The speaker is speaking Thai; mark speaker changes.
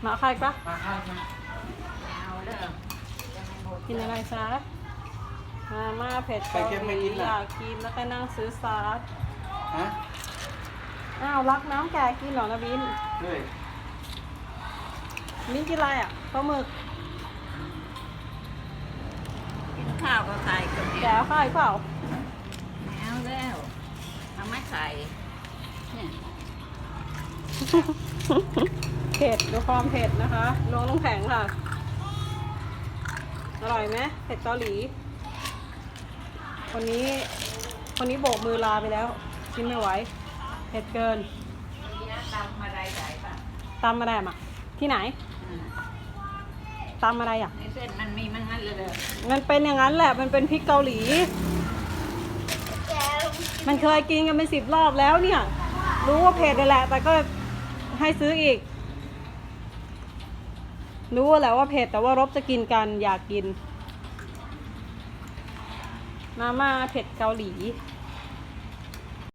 Speaker 1: มาใครปะ
Speaker 2: มาข้าวมา
Speaker 3: เอาเด้อยังไม่หมด
Speaker 1: กินอะไรซะมาม่าเผ็ดเกาหลีอยากกินแล้วก็นั่งซื้อซอส
Speaker 2: ฮะ
Speaker 1: อ้าวรักน้ำแกกินเหรอนะบิน
Speaker 2: ด้วย
Speaker 1: บินกินอะไรอ่ะปลาหมึก
Speaker 3: กินข้าวก็ใส่กับ
Speaker 1: แก
Speaker 3: เดี๋ยว
Speaker 1: ข้าวเปล่า
Speaker 3: เอาแล้วทำไมใส่เนี่ย
Speaker 1: เผ็ดดูความเผ็ดนะคะลงน้ำแข็งค่ะอร่อยไหมเผ็ดเกาหลีคนนี้โบกมือลาไปแล้วกินไม่ไหวเผ็ดเกิน
Speaker 3: มีน้ำตำอะไรใส่ป่ะ
Speaker 1: ตำอะไรอ่ะที่ไหน
Speaker 3: อืม
Speaker 1: ตำอะไรอ่ะ
Speaker 3: ในเส้นมันมีมันงั้นเลยเด้อ
Speaker 1: มันเป็นอย่างนั้นแหละมันเป็นพริกเกาหลี มันเคยกินกันเป็น10 รอบแล้วเนี่ย รู้ว่าเผ็ดเลยแหละ แต่ก็ให้ซื้ออีก รู้แหละว่าเผ็ดแต่ว่ารบจะกินกันอยากกิน มาม่าเผ็ดเกาหลี
Speaker 3: เ